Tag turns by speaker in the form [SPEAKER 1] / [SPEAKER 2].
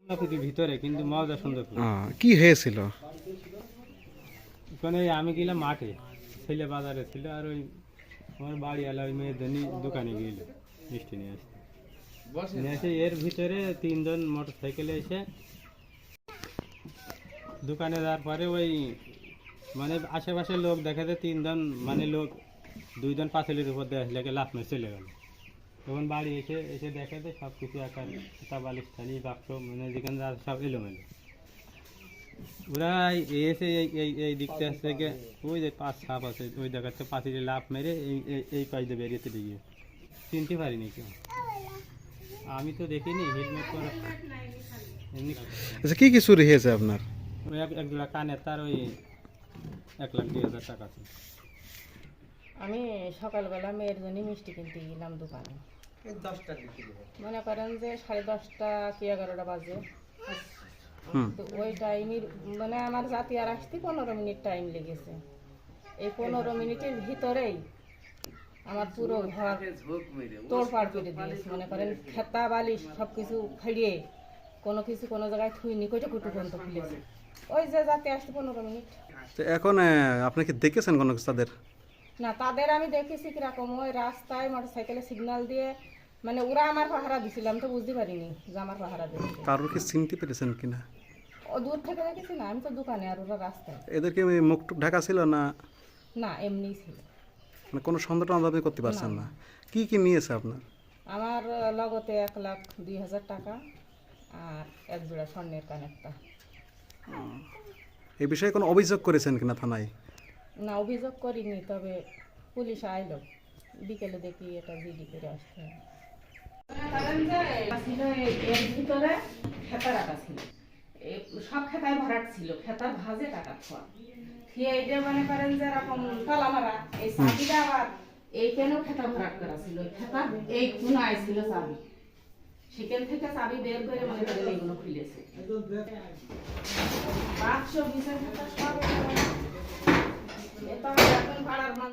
[SPEAKER 1] ভিতরে কিন্তু মজা সুন্দর।
[SPEAKER 2] কি হয়েছিল?
[SPEAKER 1] ওখানে আমি গেলাম মাঠে, ছেলে বাজারে ছিল, আর ওই আমার বাড়ি এলা ওই মেয়ের জন্য দোকানে গেল মিষ্টি নিয়ে আসতে। নিয়ে এসে এর ভিতরে তিনজন মোটর সাইকেলে এসে দোকানে যাওয়ার পরে ওই মানে আশেপাশের লোক দেখা যায় তিনজন মানে লোক দুইজন পাঁচিলের উপর দিয়ে আসলে লাফ মেরে চলে গেল। তখন বাড়ি এসে এসে দেখা যায় সব কিছু একার বালিশ থালি বাক্স মানে যেখানে যা সব এলোমেলো। ওরা এসে এই দিকটা থেকে ওই যে পাঁচ সাপ আছে ওই জায়গাতে পাঁচিলে লাফ মেরে এই পাশে বেরিয়েতে দিয়ে চিনতে পারিনি কেউ। আমি তো দেখিনি হেলমেট পরা এমনি।
[SPEAKER 2] আচ্ছা, কি কি চুরি হয়েছে আপনার?
[SPEAKER 1] ওই এক জোড়া কানের তার ওই 1,02,000 টাকা আছে।
[SPEAKER 3] আমি সকালবেলা মেয়ের জন্য মিষ্টি কিনতে গেলাম দোকানে, মনে করেন যে 10:30 কি 11টা বাজে। তো ওই টাইমের মানে আমার জাতি আর আসতে 15 মিনিট টাইম লেগেছে। এই 15 মিনিটের ভিতরেই আমার পুরো ঘর তোড়পাড় করে দিয়েছে। মনে করেন খেতা বালিশ সব কিছু ফাড়িয়ে কোনো কিছু কোনো জায়গায় থুইনি কইটা কুটু পর্যন্ত খুলেছে। ওই যে জাতি আসতে 15 মিনিট।
[SPEAKER 2] তো এখন আপনি কি দেখেছেন কোনো কিছু তাদের?
[SPEAKER 3] না, তাদের আমি দেখেছি কিরকম ওই রাস্তায় মোটর সাইকেলে সিগন্যাল দিয়ে মানে ওরা আমার পাহারা দিছিল, আমি তো বুঝতে পারিনি যে আমার পাহারা দিচ্ছে।
[SPEAKER 2] কারোর কি চিনতে পেরেছেন কিনা?
[SPEAKER 3] ও দূর থেকে দেখেছি না, আমি তো দোকানে আর ওরা রাস্তায়।
[SPEAKER 2] এদেরকে মুখ টুক ঢাকা ছিল না?
[SPEAKER 3] না, এমনিই ছিল।
[SPEAKER 2] মানে কোনো সন্দেহ আপনি করতে পারছেন না? কি কি নিয়েছে আপনার?
[SPEAKER 3] আমার লগতে 1,02,000 টাকা আর এক জোড়া স্বর্ণের কানেরটা।
[SPEAKER 2] এই বিষয়ে কোনো অভিযোগ করেছেন কিনা থানায়?
[SPEAKER 3] না, অভিযোগ করিনি, তবে পুলিশ আইলো বিকেলে, দেখি এটা জিডি করে আসতে হবে। এর ভিতরে খেতা রাখা ছিল, সব খেতায় ভরাট ছিল, খেতার ভাজে টাকা খোয়া খেয়ে এইটা মনে করেন যে এরকম তালা মারা। এই চাবিটা আবার এইখানেও খেতা ভরাট করা ছিল, খেতা এই কোনায় ছিল চাবি, সেখান থেকে চাবি বের করে মনে করেন এইগুলো খুলেছে। বাক্স বিছানা সব এটা এখন পাড়ার